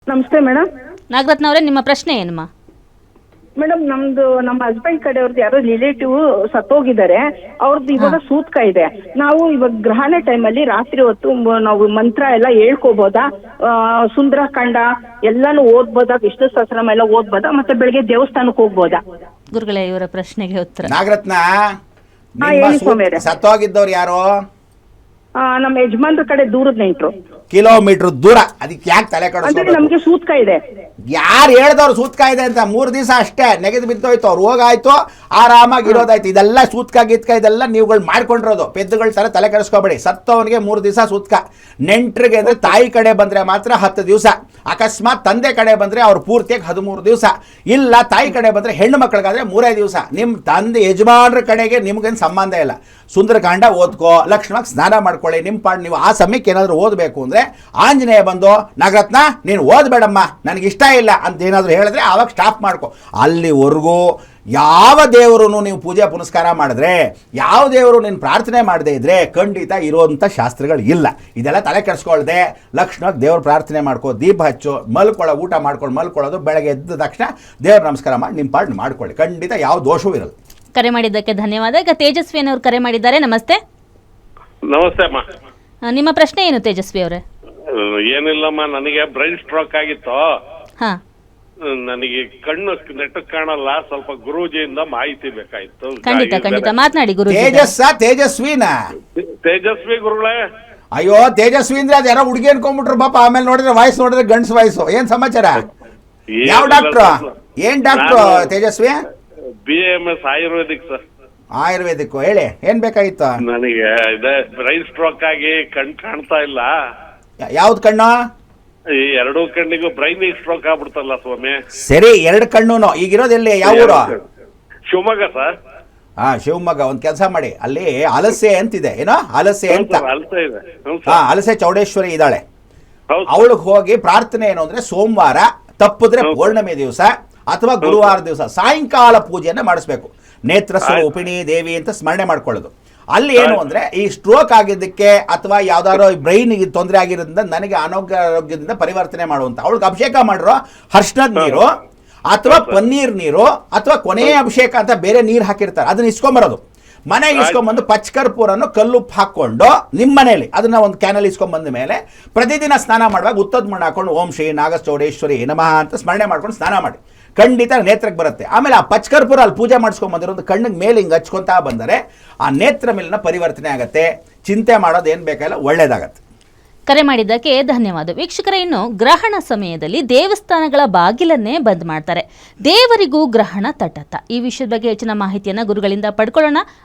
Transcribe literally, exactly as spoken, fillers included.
ನಮಸ್ತೆ ಮೇಡಮ್. ನಾಗರತ್ನ ಅವರೇ, ನಿಮ್ಮ ಪ್ರಶ್ನೆ ಏನಮ್ಮ? ಮೇಡಮ್, ನಮ್ದು ನಮ್ಮ ಹಸ್ಬೆಂಡ್ ಕಡೆಯವ್ರದ್ದು ಯಾರೋ ರಿಲೇಟಿವ್ ಸತ್ತೋಗಿದ್ದಾರೆ. ಅವ್ರದ್ದು ಇವಾಗ ಸೂತ್ಕ ಇದೆ. ನಾವು ಇವಾಗ ಗ್ರಹಣ ಟೈಮಲ್ಲಿ ರಾತ್ರಿ ಹೊತ್ತು ಮ- ನಾವು ಮಂತ್ರ ಎಲ್ಲ ಹೇಳ್ಕೋಬೋದಾ? ಆ, ಸುಂದರಕಾಂಡ ಎಲ್ಲಾನು ಓದ್ಬೋದಾ? ವಿಷ್ಣು ಸಹಸ್ರನಾಮ ಎಲ್ಲ ಓದ್ಬೋದಾ? ಮತ್ತೆ ಬೆಳಿಗ್ಗೆ ದೇವಸ್ಥಾನಕ್ಕೆ ಹೋಗ್ಬೋದಾ? ಗುರುಗಳೇ, ಇವರ ಪ್ರಶ್ನೆಗೆ ಉತ್ತರ. ನಾಗರತ್ನ, ಹಾ, ನಿಮ್ಮ ಹೇಳಿ ಸೂತ್- ಸ್ವಾಮಿಯರೇ. ಸತ್ತೋಗಿದ್ದವ್ರು ಯಾರು? ಆ, ನಮ್ಮ ಯಜಮಾನ್ರ ಕಡೆ ದೂರದ ನೆಂಟ್ರು. ಕಿಲೋಮೀಟರ್ ದೂರ. ಅದಕ್ಕೆ ಯಾಕೆ ತಲೆ ಅಂದ್ರೆ ಕೆಡಿಸ್ಕೋಬೇಕು? ನಮ್ಗೆ ಸೂತ್ಕ ಇದೆ. ಯಾರು ಹೇಳ್ದವ್ರು ಸೂತ್ಕ ಇದೆ ಅಂತ? ಮೂರು ದಿವಸ ಅಷ್ಟೇ ನೆಗೆದು ಬಿದ್ದೋಯ್ತು, ಅವ್ರು ಹೋಗಾಯ್ತು, ಆರಾಮಾಗಿ ಇರೋದಾಯ್ತು. ಇದೆಲ್ಲ ಸೂತ್ಕ ಗೀತ್ಕ ಇದೆಲ್ಲ ನೀವುಗಳು ಮಾಡ್ಕೊಂಡಿರೋದು. ಪೆದ್ದುಗಳ ತರ ತಲೆ ಕೆಡಿಸ್ಕೋಬೇಡಿ. ಸತ್ತವನಿಗೆ ಮೂರು ದಿವಸ ಸೂತ್ಕ. ನೆಂಟ್ರಿಗೆ ಅಂದ್ರೆ ತಾಯಿ ಕಡೆ ಬಂದ್ರೆ ಮಾತ್ರ ಹತ್ತು ದಿವಸ. ಅಕಸ್ಮಾತ್ ತಂದೆ ಕಡೆ ಬಂದ್ರೆ ಅವ್ರು ಪೂರ್ತಿಯಾಗಿ ಹದಿಮೂರು ದಿವಸ. ಇಲ್ಲ ತಾಯಿ ಕಡೆ ಬಂದ್ರೆ ಹೆಣ್ಣು ಮಕ್ಕಳಿಗಾದ್ರೆ ಮೂರೇ ದಿವಸ. ನಿಮ್ಮ ತಂದೆ ಯಜಮಾನ್ರ ಕಡೆಗೆ ನಿಮ್ಗೇನು ಸಂಬಂಧ ಇಲ್ಲ. ಸುಂದರಕಾಂಡ ಓದ್ಕೋ, ಲಕ್ಷ್ಮಣಕ್ಕೆ ಸ್ನಾನ ಮಾಡ್ಕೊಳ್ಳಿ. ನಿಮ್ಮ ಪಾಡ್ ನೀವು ಆ ಸಮಯಕ್ಕೆ ಏನಾದರೂ ಓದಬೇಕು ಅಂದರೆ ಆಂಜನೇಯ ಬಂದು, ನಾಗರತ್ನ ನೀನು ಓದಬೇಡಮ್ಮ, ನನಗೆ ಇಷ್ಟ ಇಲ್ಲ ಅಂತ ಏನಾದರೂ ಹೇಳಿದ್ರೆ ಆವಾಗ ಸ್ಟಾಪ್ ಮಾಡ್ಕೊ. ಅಲ್ಲಿವರೆಗೂ ಯಾವ ದೇವರು ನೀವು ಪೂಜೆ ಪುನಸ್ಕಾರ ಮಾಡಿದ್ರೆ, ಯಾವ ದೇವರು ನೀನು ಪ್ರಾರ್ಥನೆ ಮಾಡದೇ ಇದ್ರೆ ಖಂಡಿತ ಇರುವಂಥ ಶಾಸ್ತ್ರಗಳು ಇಲ್ಲ. ಇದೆಲ್ಲ ತಲೆ ಕೆಡಿಸ್ಕೊಳ್ದೆ ಲಕ್ಷ್ಮಣಕ್ಕೆ ದೇವ್ರ ಪ್ರಾರ್ಥನೆ ಮಾಡ್ಕೋ, ದೀಪ ಹಚ್ಚು, ಮಲ್ಕೊಳ್ಳೋ, ಊಟ ಮಾಡ್ಕೊಂಡು ಮಲ್ಕೊಳ್ಳೋದು, ಬೆಳಗ್ಗೆ ಎದ್ದ ತಕ್ಷಣ ದೇವ್ರ ನಮಸ್ಕಾರ ಮಾಡಿ ನಿಮ್ಮ ಪಾಡ್ ಮಾಡ್ಕೊಳ್ಳಿ. ಖಂಡಿತ ಯಾವ ದೋಷವೂ ಇರಲ್ಲ. ಕರೆ ಮಾಡಿದ್ದಕ್ಕೆ ಧನ್ಯವಾದ. ಈಗ ತೇಜಸ್ವಿ ಅನ್ನೋರು ಕರೆ ಮಾಡಿದ್ದಾರೆ. ನಮಸ್ತೆ. ನಮಸ್ತೆ ಅಮ್ಮ. ಆ, ನಿಮ್ಮ ಪ್ರಶ್ನೆ ಏನು ತೇಜಸ್ವಿ ಅವರೇ? ಅಹ್, ಏನಿಲ್ಲಮ್ಮ, ನನಗೆ ಬ್ರೈನ್ ಸ್ಟ್ರೋಕ್ ಆಗಿತ್ತು. ಹಾ, ಅಹ್, ನನಗೆ ಕಣ್ಣು ನೆಟ್ಟಕ್ ಕಾಣಲ್ಲ. ಸ್ವಲ್ಪ ಗುರೂಜಿಯಿಂದ ಮಾಹಿತಿ ಬೇಕಾಯ್ತು. ಖಂಡಿತ ಖಂಡಿತ ಮಾತನಾಡಿ ಗುರು. ತೇಜಸ್ಸ ತೇಜಸ್ವಿನ? ತೇಜಸ್ವಿ ಗುರುಗಳೇ. ಅಯ್ಯೋ, ತೇಜಸ್ವಿ ಅಂದ್ರೆ ಅದು ಯಾರೋ ಹುಡುಗಿ ಅನ್ಕೊಂಡ್ಬಿಟ್ರು ಪಾಪ. ಆಮೇಲೆ ನೋಡಿದ್ರೆ ವಾಯ್ಸ್ ನೋಡಿದ್ರೆ ಗಂಡ್ಸ್ ವಾಯ್ಸು. ಏನ್ ಸಮಾಚಾರ? ಯಾವ ಡಾಕ್ಟ್ರು? ಏನ್ doctor Tejaswi? B M S Ayurvedic sir. Ayurvedic. ಹೇಳಿ, ಏನ್ ಬೇಕಾಗಿತ್ತು? ನನಗೆ ಇದೆ ಬ್ರೈನ್ ಸ್ಟ್ರೋಕ್ ಆಗಿ ಕಣ್ ಕಾಣ್ತಾ ಇಲ್ಲ. ಯಾವ್ದು ಕಣ್ಣು? ಈ ಎರಡೂ ಕಣ್ಣಿಗೂ ಬ್ರೈನ್ ಸ್ಟ್ರೋಕ್ ಆಗ್ಬಿಡ್ತಲ್ಲ ಸ್ವಾಮಿ. ಸರಿ, ಎರಡು ಕಣ್ಣುನು. ಈಗಿರೋದೆಲ್ಲಿ? ಯಾವ ಊರು? ಶಿವಮೊಗ್ಗ ಸರ್. ಹಾ, ಶಿವಮೊಗ್ಗ. ಒಂದ್ ಕೆಲಸ ಮಾಡಿ, ಅಲ್ಲಿ ಹಲಸೆ ಅಂತಿದೆ. ಏನೋ ಹಲಸೆ ಅಂತ. ಅಲ್ತಾ ಇದೆ. ಹ್ಞೂ ಹಾ, ಸರ್. ಹಲಸೆ ಚೌಡೇಶ್ವರಿ ಇದ್ದಾಳೆ. ಹೌದು ಸರ್. ಅವಳಿಗೆ ಹೋಗಿ ಪ್ರಾರ್ಥನೆ ಏನು ಅಂದ್ರೆ, ಸೋಮವಾರ ತಪ್ಪಿದ್ರೆ ಹೌದು. ಪೌರ್ಣಮಿ ದಿವಸ ಅಥವಾ ಗುರುವಾರ ದಿವಸ ಸಾಯಂಕಾಲ ಪೂಜೆಯನ್ನ ಮಾಡಿಸ್ಬೇಕು. ನೇತ್ರ ಸ್ವರೂಪಿಣಿ ದೇವಿ ಅಂತ ಸ್ಮರಣೆ ಮಾಡ್ಕೊಳ್ಳೋದು. ಅಲ್ಲಿ ಏನು ಅಂದ್ರೆ, ಈ ಸ್ಟ್ರೋಕ್ ಆಗಿದ್ದಕ್ಕೆ ಅಥವಾ ಯಾವ್ದಾದ್ರು ಬ್ರೈನ್ ತೊಂದರೆ ಆಗಿರೋದ್ರಿಂದ ನನಗೆ ಅನಾರೋಗ್ಯದಿಂದ ಪರಿವರ್ತನೆ ಮಾಡುವಂತ ಅವಳಿಗೆ ಅಭಿಷೇಕ ಮಾಡಿರೋ ಹರ್ಷಣದ ನೀರು ಅಥವಾ ಪನ್ನೀರ್ ನೀರು ಅಥವಾ ಕೊನೆಯ ಅಭಿಷೇಕ ಅಂತ ಬೇರೆ ನೀರು ಹಾಕಿರ್ತಾರೆ, ಅದನ್ನ ಇಸ್ಕೊಂಬರೋದು. ಮನೆಗೆ ಇಸ್ಕೊಂಬಂದು ಪಚ್ಕರ್ಪೂರನ್ನು ಕಲ್ಲುಪ್ಪು ಹಾಕೊಂಡು ನಿಮ್ಮ ಮನೇಲಿ ಅದನ್ನ ಒಂದು ಕ್ಯಾನಲ್ಲಿ ಇಸ್ಕೊಂಬಂದ ಮೇಲೆ ಪ್ರತಿದಿನ ಸ್ನಾನ ಮಾಡುವಾಗ ಉತ್ತದ ಮಣ್ಣು ಹಾಕೊಂಡು ಓಂ ಶ್ರೀ ನಾಗಚೌಡೇಶ್ವರಿ ನಮಃ ಅಂತ ಸ್ಮರಣೆ ಮಾಡ್ಕೊಂಡು ಸ್ನಾನ ಮಾಡಿ. ಖಂಡಿತ ನೇತ್ರಕ್ಕೆ ಬರುತ್ತೆ. ಆಮೇಲೆ ಆ ಪಚ್ಕರ್ಪುರ ಅಲ್ಲಿ ಪೂಜೆ ಮಾಡಿಸ್ಕೊಂಡ್ ಬಂದಿರೋದು ಕಣ್ಣಿಗೆ ಮೇಲೆ ಹಿಂಗೆ ಹಚ್ಕೊಂತಾ ಬಂದರೆ ಆ ನೇತ್ರ ಮೇಲಿನ ಪರಿವರ್ತನೆ ಆಗತ್ತೆ. ಚಿಂತೆ ಮಾಡೋದು ಏನು ಬೇಕಾಗಿಲ್ಲ, ಒಳ್ಳೇದಾಗತ್ತೆ. ಕರೆ ಮಾಡಿದ್ದಕ್ಕೆ ಧನ್ಯವಾದ. ವೀಕ್ಷಕರೇ, ಇನ್ನು ಗ್ರಹಣ ಸಮಯದಲ್ಲಿ ದೇವಸ್ಥಾನಗಳ ಬಾಗಿಲನ್ನೇ ಬಂದ್ ಮಾಡ್ತಾರೆ. ದೇವರಿಗೂ ಗ್ರಹಣ ತಟತ. ಈ ವಿಷಯದ ಬಗ್ಗೆ ಹೆಚ್ಚಿನ ಮಾಹಿತಿಯನ್ನು ಗುರುಗಳಿಂದ ಪಡ್ಕೊಳ್ಳೋಣ.